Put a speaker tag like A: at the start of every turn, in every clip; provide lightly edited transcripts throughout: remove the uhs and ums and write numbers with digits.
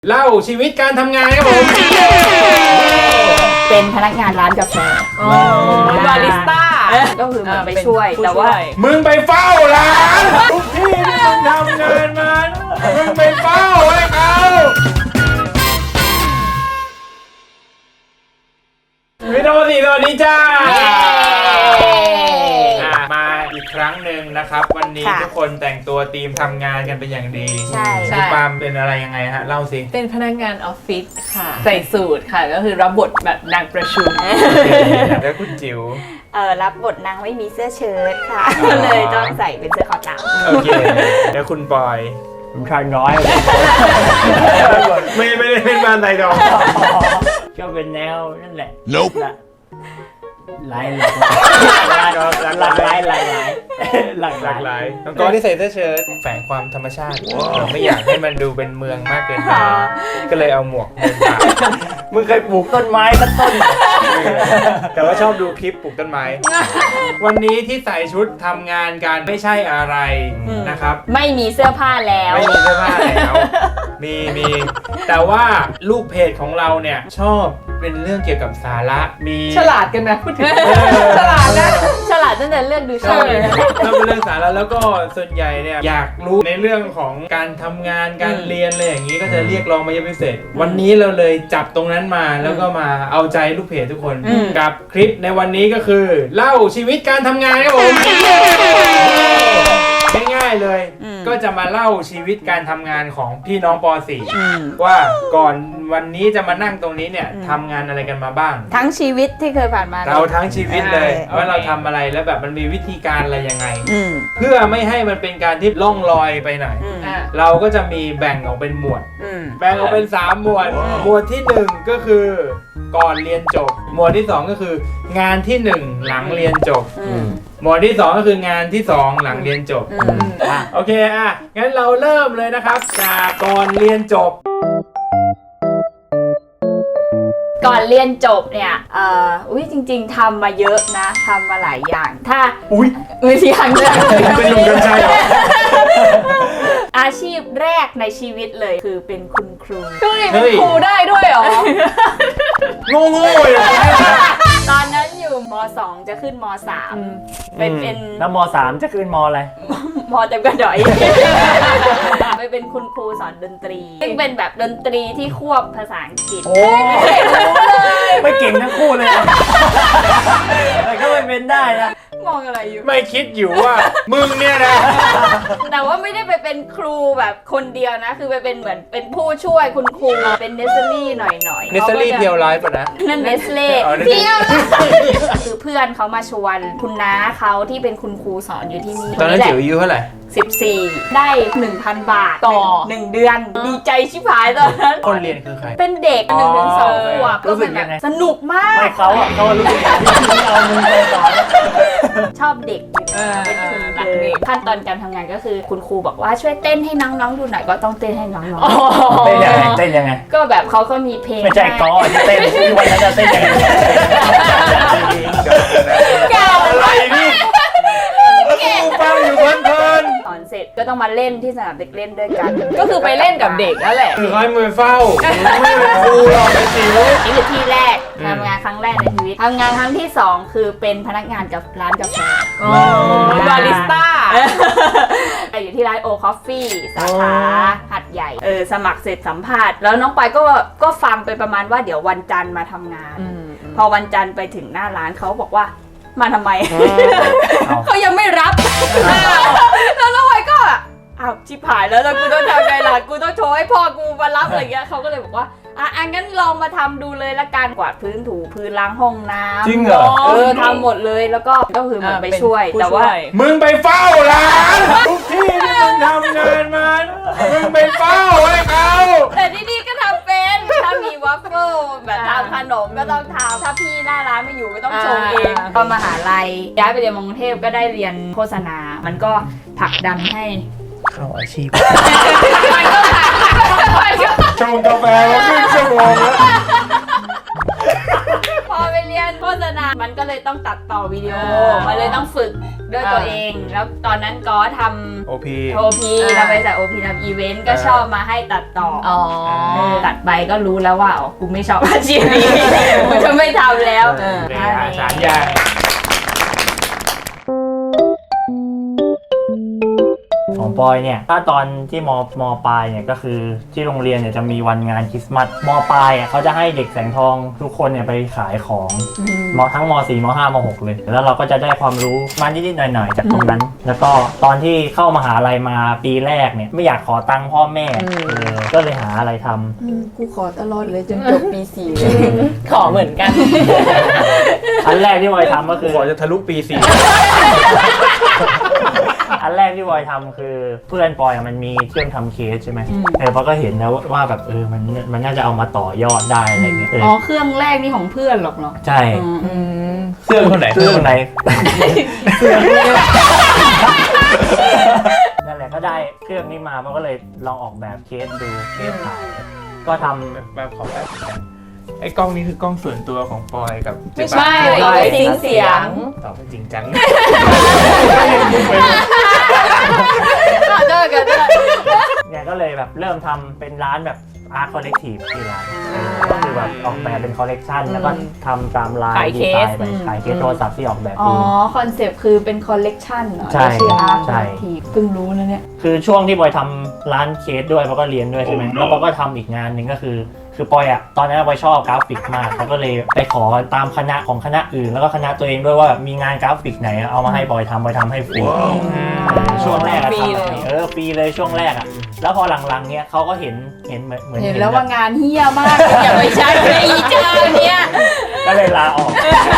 A: เล่าชีวิตการทำงานครับผม
B: เป็นพนักงานร้านกาแฟ
C: บาริสต้า
B: ก็คือมันไปช่วยแต่ว่า
A: มึงไปเฝ้าร้านทุกที่ที่มึงทำงานมามึงไปเฝ้าให้เขาวิดีโอสี่ตัวนี้จ้ามาอีกครั้งหนึ่งนะครับ วันนี้ทุกคนแต่งตัวทีมทำงานกันเป็นอย่างดี
B: ใช่
A: คุณปาล์มเป็นอะไรยังไงฮะเล่าสิ
C: เป็นพนักงานออฟฟิศค่ะ ใส่สูทค่ะ ก็คือรับบทแบบนางประชุม
A: แล้วคุณจิ๋ว
B: รับบทนางไม่มีเสื้อเชิ้ตค่ะก็เลยต้องใส่เป็นเสื้อคอเต่า
A: โอเคแล้วคุณปอย
D: ผมชายน้อย
A: ไม่ได้เป็นบ้านไทยดอง
D: ก็เป็นแนวนั่นแหละ
E: Nope
D: หลายหลากหลายหลากหลายหลาก
A: ห
D: ห
A: ลา
D: ลาก ย
A: หลายน้องกอที่ใส่เสื้อเชิ้ตแฝงความธรรมชาติไม่อยากให้มันดูเป็นเมืองมากเกินไปก็เลยเอาหมวกมาใส่
D: มึงเคยปลูกต้นไม้สักต้นไหม
A: แต่ว่าชอบดูคลิปปลูกต้นไม้ วันนี้ที่ใส่ชุดทำงานกันไม่ใช่อะไรนะครับ
B: ไม่มีเสื้อผ้าแล้ว
A: ไม่มีเสื้อผ้าแล้วมีแต่ว่าลูกเพจของเราเนี่ยชอบเป็นเรื่องเกี่ยวกับสาระมี
C: ฉลาดกันนะพูดถึงฉลาดนะ
B: ฉลาดตั้งแต่เลือกดูช่
A: ใช่
B: องเลยนะ
A: แล้วเป็นเรื่องสาระแล้วก็ส่วนใหญ่เนี่ยอยากรู้ในเรื่องของการทำงานการเรียนอะไรอย่างนี้ก็จะเรียกร้องมาเยอะพิเศษ วันนี้เราเลยจับตรงนั้นมาแล้วก็มาเอาใจลูกเพจทุกคนกับคลิปในวันนี้ก็คือเล่าชีวิตการทำงานครับผมง่ายๆเลย ก็จะมาเล่าชีวิตการทำงานของพี่น้องป .4 ว่าก่อนวันนี้จะมานั่งตรงนี้เนี่ยทำงานอะไรกันมาบ้าง
B: ทั้งชีวิตที่เคยผ่านมา
A: เราทั้งชีวิตเลย
B: โอเค
A: ว่าเราทำอะไรแล้วแบบมันมีวิธีการอะไรยังไง
B: อืม
A: เพื่อไม่ให้มันเป็นการที่ล่องลอยไปไหน
C: อ่ะ
A: เราก็จะมีแบ่งออกเป็นหมวด
B: อืม
A: แบ่งออกเป็น3หมวด หมวดที่1ก็คือก่อนเรียนจบ หมวดที่2ก็คืองานที่1หลังเรียนจบ หมวดที่2ก็คืองานที่2หลังเรียนจบ โอเคงั้นเราเริ่มเลยนะครับจากก่อนเรียนจบ
B: ก่อนเรียนจบเนี่ยจริงๆทำมาเยอะนะทำมาหลายอย่าง ถ้า
A: อุ้ย
B: อย่างเลย
A: เป็นหนุ่มกัญชัยเหรอ
B: อาชีพแรกในชีวิตเลยคือเป็นคุณครู
C: เฮ้ยเป็นครูได้ด้วยเหรอ
A: โง่ๆเลย
B: ตอนนั้นอยู่ม .2 จะขึ้นม .3 เป็น
D: แล้วม.3 จะขึ้นม.อะไร
B: มเต็มกระดอย ไปเป็นคุณครูสอนดนตรีซึ่งเป็นแบบดนตรีที่ควบภาษาอังกฤษ
D: โอ้ไม่เก่งทั้งคู่เลยอะแต่ก็ไม่เป็นได้นะ
B: มองอะไรอยู่
A: ไม่คิดอยู่ว่ามึงเนี่ยนะ
B: แต่ว่าไม่ได้ไปเป็นครูแบบคนเดียวนะ คือไปเป็นเหมือนเป็นผู้ช่วยคุณครูเป็นเนสเซอรี่หน่อยๆ
A: เนสเซอรี่เพียวไลฟ์ป่ะนะ
B: นั่นเนสเล่
A: อ๋อ
B: เพียวคือเพื่อนเขามาชวนคุณน้าเขาที่เป็นคุณครูสอนอยู่ที่นี่
A: ตอนนั้น
B: แหละ
A: จิ๋วอายุเท่าไหร่
B: 14 ได้ 1,000 บาท
C: ต่อ
B: หนึ่งเดือน ดีใจชิบหายตอนนั้น
A: คนเรียนคือใคร
B: เป็นเด็ก1 ถึง 2 ขวบ
D: รู้สึก
B: มันแบ
D: ยั
B: บ
D: งไง
B: สนุกมาก
D: ไม่เขารู้สึกอย่างที่เอามึงไปสอน
B: ชอบเด็กอยู่แล้วเป็นคุณ
C: รักเด็ก
B: ขั้นตอนการทำงานก็คือคุณครูบอกว่าช่วยเต้นให้น้องๆดูหน่อยก็ต้องเต้นให้น้อง
D: เต้นยังไงเต้นยังไง
B: ๆก็แบบเขาก็มีเพลง
D: ไม่ใช่กอที่เต้นที่วันนั้นจะเต้นยังไง
B: เก่า
A: อะไรนี่กูฟังอยู่เพลิน
B: สอนเสร็จก็ต้องมาเล่นที่สนามเด็กเล่นด้วยกัน
C: ก็คือไปเล่นกับเด็กนั่นแหละ
A: ๆคือให้มือเฝ้าไม่เป็นครูหรอกไอ้จิ๋ว
B: นี่คือที่แรกทำงานครั้งแรกในชีวิตทำงานครั้งที่ 2 คือเป็นพนักงานกับร้านกาแฟ
C: บาริสต้า
B: อยู่ที่ร้านโอคอฟฟี่สาขาหัดใหญ่สมัครเสร็จสัมภาษณ์แล้วน้องปายก็ฟังไปประมาณว่าเดี๋ยววันจันทร์มาทำงาน พอวันจันทร์ไปถึงหน้าร้านเขาบอกว่ามาทำไม เขายังไม่รับ แล้วน้องปายก็อ้าวชิบหายแล้วกูต้องทำไงล่ะกูต้องโชว์ให้พ่อกูมารับอะไรเงี้ยเขาก็เลยบอกว่างั้นลองมาทำดูเลยละกันกวาดพื้นถูพื้นล้างห้องน้ำ
D: จริงเหรอ
B: ทำหมดเลยแล้วก็คือเหมือนไปช่วย
C: ผู้
B: แต่ว่า
A: มึงไปเฝ้าร้านทุกที่ที่มึงทำงานมามึงไปเฝ้าให้เขา
B: แต่ที่นี่ก็ทำเป็นถ้ามีวัฟเฟิลแบบทำขนมก็ต้องทำถ้าพี่หน้าร้านไม่อยู่ก็ต้องชงเองตอนมหาลัยย้ายไปเรียนมกรุงเทพก็ได้เรียนโฆษณา มันก็ผลักดันให้
A: เข้าอาชีพ
B: มันก็
A: ชงกาแฟมาครึ่งชั่วโมงแล้ว
B: พอไปเรียนโฆษณา มันก็เลยต้องตัดต่อวิดีโอมันเลยต้องฝึกด้วยตัวเอง แล้วตอนนั้นก็ทำ
A: OP
B: เราไปจาก OP ทำอีเวนต์ก็ชอบมาให้ตัดต่อ
C: อ๋อ
B: ตัดไปก็รู้แล้วว่าอ๋อกูไม่ชอบอาชีพนี้กูจะไม่ทำแล้ว
A: เลยสามอย่าง
D: ของปอยเนี่ยถ้าตอนที่มปลายเนี่ยก็คือที่โรงเรียนเนี่ยจะมีวันงานคริสต์มาสมปลายเขาจะให้เด็กแสงทองทุกคนเนี่ยไปขายของทั้งม4ม5ม6เลยแล้วเราก็จะได้ความรู้มานิดๆหน่อยๆจากตรงนั้น แล้วก็ตอนที่เข้ามหาลัยมาปีแรกเนี่ยไม่อยากขอตังค์พ่อแม่ก็เลยหาอะไรทำ
E: กูขอตลอดเลยจนจบปี4เลย
C: ขอเหมือนกัน
D: อันแรกที่ปอยทำก็คือ
A: ขอจะทะลุปี 4
D: อันแรกที่บอยทำคือเพื่อนปอยมันมีเครื่องทำเคสใช่ไหมปอยก็เห็นแล้วว่าแบบมันน่าจะเอามาต่อยอดได้อะไรเงี้ย
B: อ๋อเครื่องแรกนี่ของเพื่อนหรอกเนาะ
D: ใช่
A: เครื่องคนไหน
D: เครื่องไหนนั่นแหละก็ได้เครื่องนี้มามันก็เลยลองออกแบบเคสดูเคสขายก็ทำ
A: แบบขอแป๊บนึงไอ้กล้องนี้คือกล้องส่วนตัวของปอยกับเจ๊
C: ไม่
A: ปา
C: ใช่ซิงเสียง
A: ตอบไปจริงจัง
D: เนี่ยก็เลยแบบเริ่มทำเป็นร้านแบบอาร์ตคอลเลกทีฟที่ร้านก็คือแบบออกแบบเป็นคอลเลกชันแล้วก็ทำตามลาย
C: ขาย
D: ดี
C: เค
D: ไซ
C: ส
D: น์ไปขายเคสโทรศัพท์ที่ออกแบบ
B: อ๋อ
D: เอง
B: คอนเซปต์คือเป็นคอลเลกชันเนาะ
D: ใช่
B: ชื่ออาร์ต
D: ใช่
B: ทีเพิ่งรู้นะเนี่ย
D: คือช่วงที่ปอยทำร้านเคสด้วยปอยก็เรียนด้วยใช่ไหมแล้วปอยก็ทำอีกงานหนึ่งก็คือปอยตอนนั้นปอยชอบกราฟิกมากเขาก็เลยไปขอตามคณะของคณะอื่นแล้วก็คณะตัวเองด้วยว่ามีงานกราฟิกไหนเอามาให้ปอยทำให้ฟรีช่วงแรกอะ
C: ฟรี
D: ทำ
C: เลย
D: ฟรีเลยช่วงแรกอะแล้วพอหลังๆเนี้ยเขาก็เห็นเหมือน
B: เห็นแล้วว่า
D: บบ
B: งานเฮี้ยมากอย่าไปใช้เลยอีจ้าเนี่ย
D: ก็เลยลาออก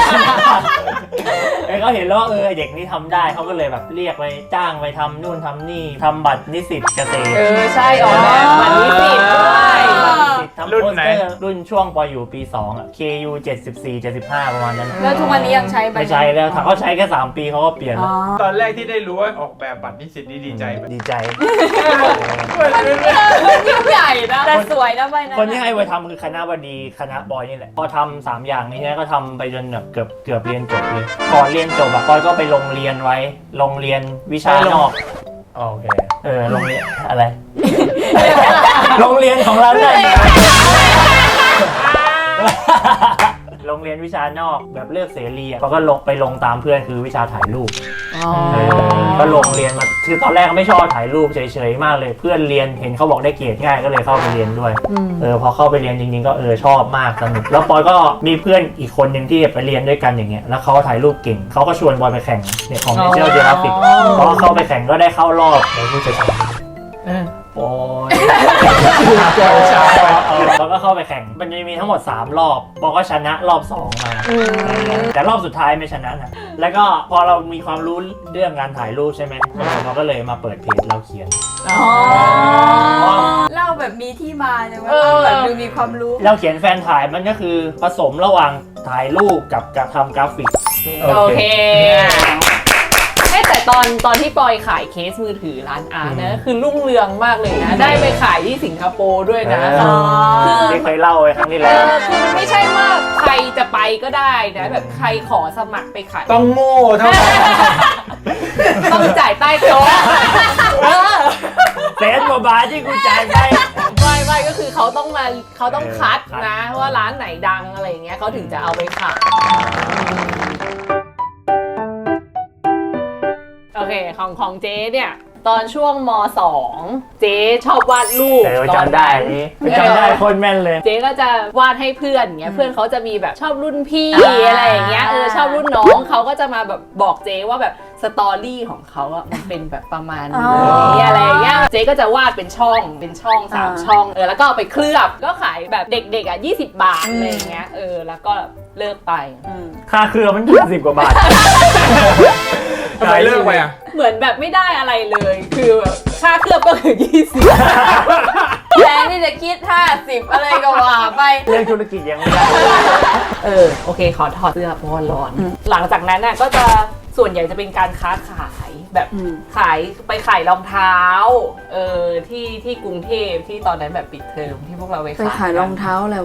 D: เขาเห็นแล้วว่าเด็กนี่ทำได้เขาก็เลยแบบเรียกไปจ้างไปทำนู่นทำนี่ทำบัตรนิสิตเกษตร
C: ใช่ออกแบบมันนิสิตด้วย
D: ทำโปสเตอร์รุ่นช่วงปอยอยู่ปี2อ่ะ KU 74 75ประมาณนั้น
B: แล้วทุกวันนี้ยังใช้ไหม
D: ไม่ใช้แล้วถ้าเขาใช้แค่3ปีเขาก็เปลี่ยน
B: อ๋
D: แล้
B: อ
D: ว
A: ตอนแรกที่ได้รู้ว่าออกแบบบัตรนิสิตนี่ดีใจไหม
D: ดีใจ
C: ยิ่งใหญ่นะ
B: แต่สวยนะใบนั้น
D: คนที่ให้ไปทำคือคณะบดีคณะบอยนี่แหละพอทำ3อย่างนี้เนี่ยก็ทำไปจนแบบเกือบเรียนจบเลยก่อนเรียนจบอะปอยก็ไปลงเรียนไว้ลงเรียนวิชานอก
A: โอเค
D: โรงเรียนอะไร โรงเรียนของเราเนี่ยโรงเรียนวิชานอกแบบเลือกเสรีอ่ะก็ลงตามเพื่อนคือวิชาถ่ายรูปก็ลงเรียนมาคือตอนแรกไม่ชอบถ่ายรูปเฉยๆมากเลยเพื่อนเรียนเห็นเขาบอกได้เกรดง่ายก็เลยเข้าไปเรียนด้วยพอเข้าไปเรียนจริงๆก็ชอบมากสนุกแล้วปอยก็มีเพื่อนอีกคนหนึ่งที่ไปเรียนด้วยกันอย่างเงี้ยแล้วเขาถ่ายรูปเก่งเขาก็ชวนปอยไปแข่งเนี่ยของ National Geographic พอเข้าไปแข่งก็ได้เข้ารอบในผู้ชนะโอ้ยเราก็เข้าไปแข่งมันจะมีทั้งหมด3รอบปอก็ชนะรอบ2มาแต่รอบสุดท้ายไม่ชนะนะแล้วก็พอเรามีความรู้เรื่องการถ่ายรูปใช่ไหมเราก็เลยมาเปิดเพจเราเขียน
B: เล่าแบบมีที่มาใช่ไหมเล่าแบบดูมีความรู้
D: เราเขียนแฟนถ่ายมันก็คือผสมระหว่างถ่ายรูปกับทำกราฟิก
C: โอเคแต่ตอนที่ปอยขายเคสมือถือร้านอาร์ตนะคือรุ่งเรืองมากเลยนะ ได้ไปขายที่สิงคโปร์ด้วยนะ
D: ที่เคยเล่าไว้ครั้งที่แล้ว
C: คือมันไม่ใช่ว่าใครจะไปก็ได้นะแบบใครขอสมัครไปขาย
A: ต้องโง่เท่านั้น
C: ต้องจ่ายใต้โต๊ะ
D: เซนกว่าบาทที่กูจ่ายไป
C: ไม่ก็คือเขาต้องคัดนะว่าร้านไหนดังอะไรอย่างเงี้ยเขาถึงจะเอาไปขายโอเคของเจ๊เนี่ยตอนช่วงม.2 เจ๊ชอบวาดรูป
D: จำได้นี่จำได้คนแม่นเลย
C: เจ๊ก็จะวาดให้เพื่อนเงี้ยเพื่อนเขาจะมีแบบชอบรุ่นพี่อะไรอย่างเงี้ยชอบรุ่นน้องเขาก็จะมาแบบบอกเจ๊ว่าแบบสตอรี่ของเขาอะมันเป็นแบบประมาณนี้อะไรอย่างเงี้ยเจ๊ก็จะวาดเป็นช่อง3 ช่องแล้วก็เอาไปเคลือบก็ขายแบบเด็กๆอ่ะ20 บาทอะไรอย่างเงี้ยแล้วก็เลิกไป
D: ค่าเครือมัน10 กว่าบาท
A: ทำไมเลิกไปอ่ะ
C: เหมือนแบบไม่ได้อะไรเลยคือแบบค่าเคลือบก็คือ20
B: แทนที่จะคิด50อะไรก็ว่าไป
D: เรื่องธุรกิจยังไม่ได้
C: โอเคขอถอดเสื้อเพราะว่าร้อนหลังจากนั้นน่ะก็จะส่วนใหญ่จะเป็นการค้าขายแบบไปขายรองเท้าที่กรุงเทพที่ตอนนั้นแบบปิดเทอมที่พวกเราไป
E: ไปขายรองเท้าอะไรวะ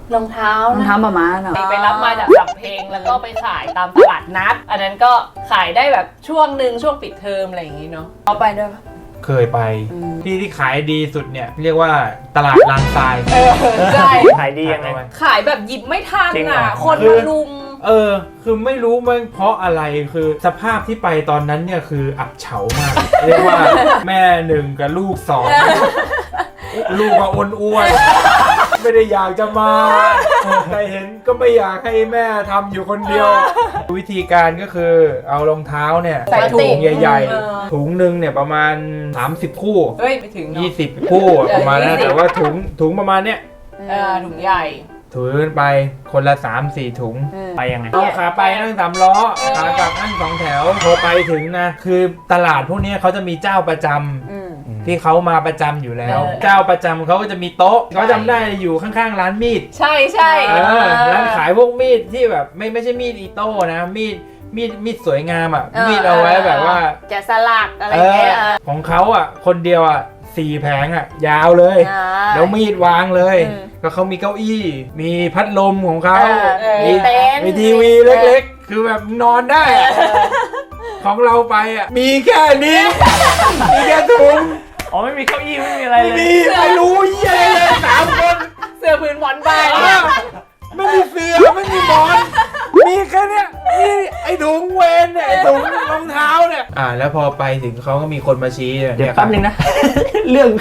C: รองเท้าร
B: องเท้ามาม่าเนาะ
C: ไปรับมาจากสำเพ็งแล้วก็ไปขายตามตลาดนัด อันนั้นก็ขายได้แบบช่วงหนึ่งช่วงปิดเทอมอะไรอย่างงี้เนาะ
B: เอาไปด้วยปะ
A: เคยไปที่ขายดีสุดเนี่ยเรียกว่าตลาดลานทราย
C: ใช่
D: ขายดียังไง
C: ขายแบบหยิบไม่ทัน
D: จริงเหร
C: อ่ะ
D: อ
C: คนมาลุม
A: คือไม่รู้มันเพราะอะไรคือสภาพที่ไปตอนนั้นเนี่ยคืออับเฉามาก เรียกว่าแม่หนึ่งกับลูกสองลูกก็อ้วนๆไม่ได้อยากจะมาแต่เห็นก็ไม่อยากให้แม่ทำอยู่คนเดียว วิธีการก็คือเอารองเท้าเนี่ย
C: ใส่ถุง
A: ใหญ่
C: เออ
A: ๆถุงหนึ่งเนี่ยประมาณ30คู่
C: เฮ้ยไปถึงเนาะ
A: 20คู่ประมาณนั้น
C: 20
A: แต่ว่าถุงประมาณเนี้ย
C: ถุงใหญ่
A: ถือไปคนละ 3-4 ถุง
D: ไปยังไง
A: เอาขาไปนั่ง3 ล้อขากลับนั่ง2 แถวพอไปถึงนะคือตลาดพวกนี้เขาจะมีเจ้าประจำที่เขามาประจำอยู่แล้ว เจ้าประจำเขาก็จะมีโต๊ะเขาจำได้อยู่ข้างๆร้านมีด
C: ใช่ใช่
A: ร้านขายพวกมีดที่แบบไม่ใช่มีดอิโต้นะมีดสวยงามอ่ะมีดเอาไว้แบบว่า
B: แกะสลักอะไรเงี้ย
A: ของเขาอ่ะคนเดียวอ่ะ4 แผงอ่ะยาวเลย แล้วมีดวางเลยแล้วเขามีเก้าอี้ มีพัดลมของเขา
B: มีเต็นท์
A: มีทีวีเล็กๆ คือแบบนอนได้อะของเราไปอ่ะ มีแค่นี้ มีแค่ถุง
D: อ๋อไม่มีเก้าอี้ไม่มีอะไรเลย
A: มีไม่รู้เยี่ยอะไรเลย3 คน
C: เสื้อพื้นหมอนใบ
A: ไม่มีเสือไม่มีหมอน มีแค่เนี้ยมีไอ้ถุงเวนเนี่ยไอ้ถุงรองเท้าเนี่ยแล้วพอไปถึงเขาก็มีคนมาชี้
D: เดี๋ยวแป๊บนึงนะ เรื่อง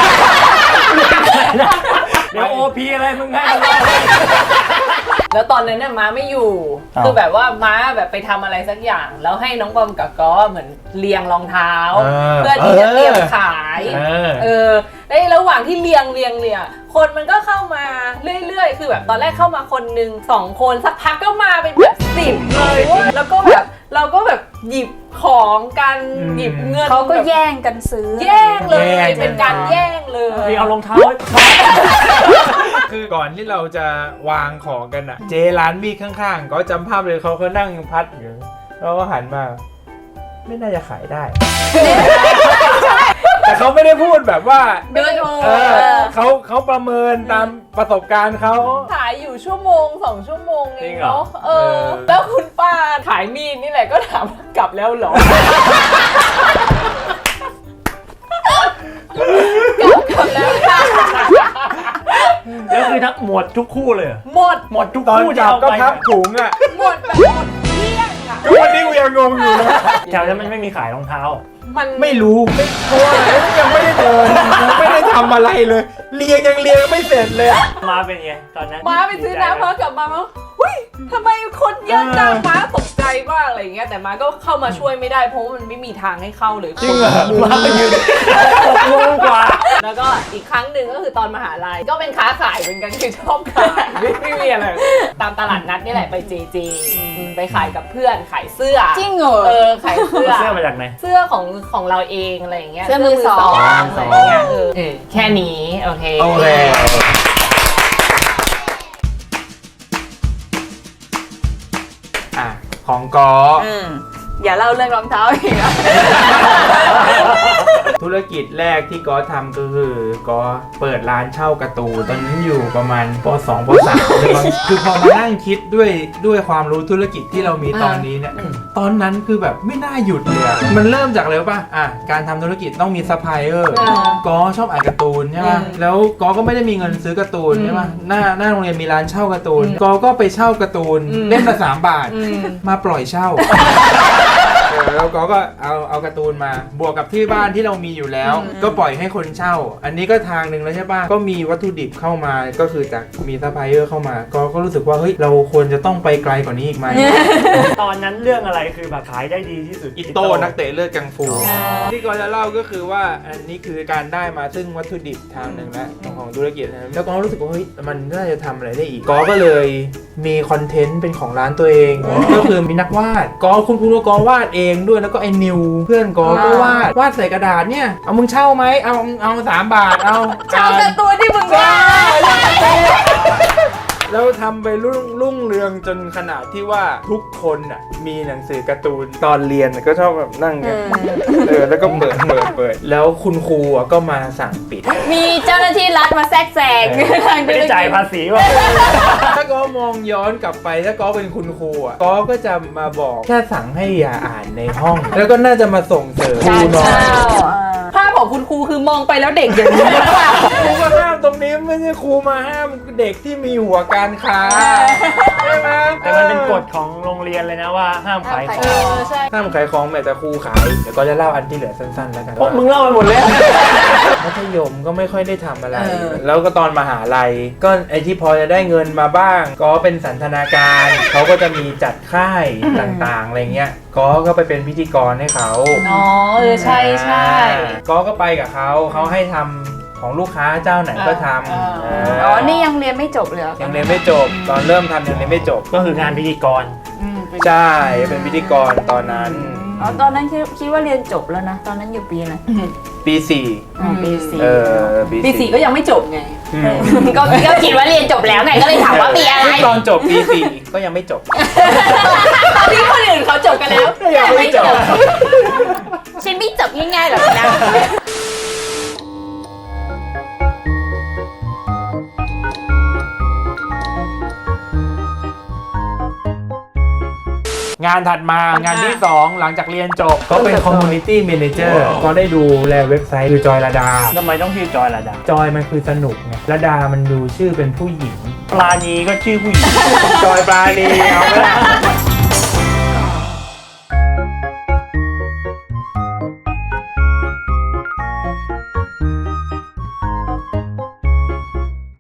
D: เดี๋ยวโอพีอะไรมึงให้มันเล่า
C: แล้วตอนนั้นเนี่ยม้าไม่อยู่
D: อ้าว
C: คือแบบว่าม้าแบบไปทำอะไรสักอย่าง แล้วให้น้องบอมกับก้อเหมือนเรียงรองเท้า เพื่อที่จะเตรียมขาย ในระหว่างที่เรียงคนมันก็เข้ามาเรื่อยๆ คือแบบตอนแรกเข้ามาคนหนึ่ง2 คนสักพักก็มาเป็นแบบ10เลยเว้ยแล้วก็แบบเราก็แบบหยิบของกันหยิบเงิน
B: เขาก็
C: แบบ
B: แย่งกันซื้อ
C: แย่งเลยเป็นการแย่งเลย
D: พี่เอารองเท้า
A: คือก่อนที่เราจะวางของกันอ่ะ เจร้านมีดข้างๆ ก็จำภาพเลยเขานั่งพัดอยู่แล้วก็หันมา ไม่น่าจะขายได้ แต่เขาไม่ได้พูดแบบว่า
B: เดินโอ้
A: เขาประเมินตามประสบการณ์เขา
C: ขายอยู่1-2 ชั่วโมงเอ
D: จริ
C: ง
D: งเหรอ
C: เนาะแล้วคุณป้าขายมีดนี่แหละก็ถามว่ากลับแล้วเหรอ กลับแล้วค่ะ
D: แล้วคือทั้งหมดทุกคู่เลยเหรอ
C: หมด
D: ทุก
A: ตอน
D: คู่
A: จับก็
D: เอาไป
A: พับถุงอ่ะ
C: หมดแบบหมดเกลี้ยงอ่ะ
A: ทุกวันนี้กูยังงงอยู่นะ
D: แถวนั้นมันไม่มีขายรองเท้า
C: มัน
A: ไม่รู้เพราะว่ายังไม่ได้เดินยังไม่ได้ทำอะไรเลย เรียงไม่เสร็จเลยอะ
D: มาเป็นไงตอนนั้น
C: ม้าไปซื้อน้ำพอกลับมาม้าหุ้ยทำไมคนเยอะจังม้าตกใจมากอะไรอย่างเงี้ยแต่ม้าก็เข้ามาช่วยไม่ได้เพราะว่ามันไม่มีทางให้เข้าเลย
A: จริงเหรอ
D: มาไปยืน6 โมงกว่า
C: แล้วก็อีกครั้งหนึ่งก็คือตอนมหาลัยก็เป็นค้าขายเหมือนกันคือชอบขายไม่มีอะไรตามตลาดนัดนี่แหละไปเจไปขายกับเพื่อนขายเสื้อ
B: จริงเหรอ
C: ขายเสื้อ
D: เสื้อมาจากไหน
C: เสื้อของเราเองอะไรอย่างเงี้ย
B: เสื้อมือสอง
C: อะไรอย่างเงี้ยแค่นี้โอเค
A: โอเคของกอ
B: อย่าเล่าเรื่องรองเท้าอีกนะ
A: ธุรกิจแรกที่กอทำก็คือกอเปิดร้านเช่าการ์ตูนตอนนั้นอยู่ประมาณป .2 ป .3 เลยมั้งคือพอมานั่งคิดด้วยความรู้ธุรกิจที่เรามีตอนนี้เนี่ยตอนนั้นคือแบบไม่น่าหยุดเลยอะมันเริ่มจากอะไรรู้ป่ะการทำธุรกิจต้องมีซัพพลายเออร์กอชอบอ่านการ์ตูนใช่ป่ะแล้วกอก็ไม่ได้มีเงินซื้อการ์ตูนใช่ป่ะหน้าโรงเรียนมีร้านเช่าการ์ตูนกอก็ไปเช่าการ์ตูนเล่มละ3 บาทมาปล่อยเช่า แล้วก็เอาการ์ตูนมาบวกกับที่บ้านที่เรามีอยู่แล้ว ก็ปล่อยให้คนเช่า อันนี้ก็ทางหนึ่งแล้วใช่ป่ะก็มีวัตถุดิบเข้ามาก็คือจากมีซัพพลายเออร์เข้ามาก็รู้สึกว่าเฮ้ยเราควรจะต้องไปไกลกว่านี้อีกไหม
D: ตอนนั้นเรื่องอะไรคือแบบขายได้ดีที่สุด
A: อิโต้นักเตะเลือดกังฟูที่ก็จะเล่าก็คือว่าอันนี้คือการได้มาซึ่งวัตถุดิบทางหนึ่งแล้วของธุรกิจนะแล้วก็รู้สึกว่าเฮ้ยมันน่าจะทำอะไรได้อีกก็เลยมีคอนเทนต์เป็นของร้านตัวเองก็คือมีนักวาดคุณก็วาดเองด้วยแล้วก็ไอ้นิวเพื่อนก็วาดใส่กระดาษเนี่ยเอามึงเช่าไหมเอา3 บาทเอา
B: เช่าการ์ตูนที่มึงได้
A: กแล้วทำไปรุ่งเรืองจนขนาดที่ว่าทุกคนอ่ะมีหนังสือการ์ตูนตอนเรียนก็ชอบแบบนั่งกันแล้วก็เปิดแล้วคุณครูก็มาสั่งปิด
B: มีเจ้าหน้าที่รัฐมาแทรกแซง
D: ไม่ได้จ่ายภาษีว่ะ
A: ถ้าก็มองย้อนกลับไปถ้าก็เป็นคุณครูอ่ะก็จะมาบอกแค่สั่งให้อย่าอ่านในห้อง แล้วก็น่าจะมาส่งเสริมครูหน่อย
C: ภาพของคุณครูคือมองไปแล้วเด็กอย่างนี้หรือเปล่า
A: ครูก็ห้ามตรงนี้ไม่ใช่ครูมาห้ามเด็กที่มีหัวการค้าใช่ไหม
D: แต่มันเป็นกฎของโรงเรียนเลยนะว่าห้ามขายของ
C: ใช่
A: ห้ามขายของแม้แต่ครูขายเดี๋ยวก็จะเล่าอันที่เหลือสั้นๆแล้วกัน
D: พวกมึงเล่าไปหมดแล้ว
A: มัธยมก็ไม่ค่อยได้ทำอะไร แล้วก็ตอนมหาลัยก็ไอที่พอจะได้เงินมาบ้าง ก็เป็นสันทนาการเขาก็จะมีจัดค่ายต่างๆอะไรเงี้ยก็ไปเป็นพิธีกรให้เขา
C: อ๋อใช่ใช่
A: ก็ไปกับเขาให้ทำของลูกค้าเจ้าไหนก็ทำ
B: อ๋อ นี่ยังเรียนไม่จบเลยเหรอ
A: ยังเรียนไม่จบ ตอนเริ่มทำยังเรียนไม่จบ
D: ก็คืองานพิธีกร
A: ใช่เป็นพิธีกรตอนนั้น
B: อ๋อ ตอนนั้นคิดว่าเรียนจบแล้วนะ ตอนนั้นอยู่ปีอะไร
A: ปีสี่
B: ปีสี่
C: ปีสี่ก็ยังไม่จบไง
B: ก็คิดว่าเรียนจบแล้วไง ก็เลยถามว่าปีอะไร
A: ตอนจบปีสี่ก็ยังไม่จบ
C: ที่คนอื่นเขาจบกันแล้ว
A: ยังไม่จบ
B: ฉันไม่จบง่ายๆหรอกนะ
A: งานถัดมางานที่ 2 หลังจากเรียนจบ ก็เป็น Community Manager ก็ได้ดูแลเว็บไซต์คือจอยระดา
D: ทำไมต้องชื่อจอยระดา
A: จอยมันคือสนุกไงระดามันดูชื่อเป็นผู้หญิง
D: ปลานีก็ชื่อผู้หญิง
A: จอยปลาณีเอาไหมล่ะ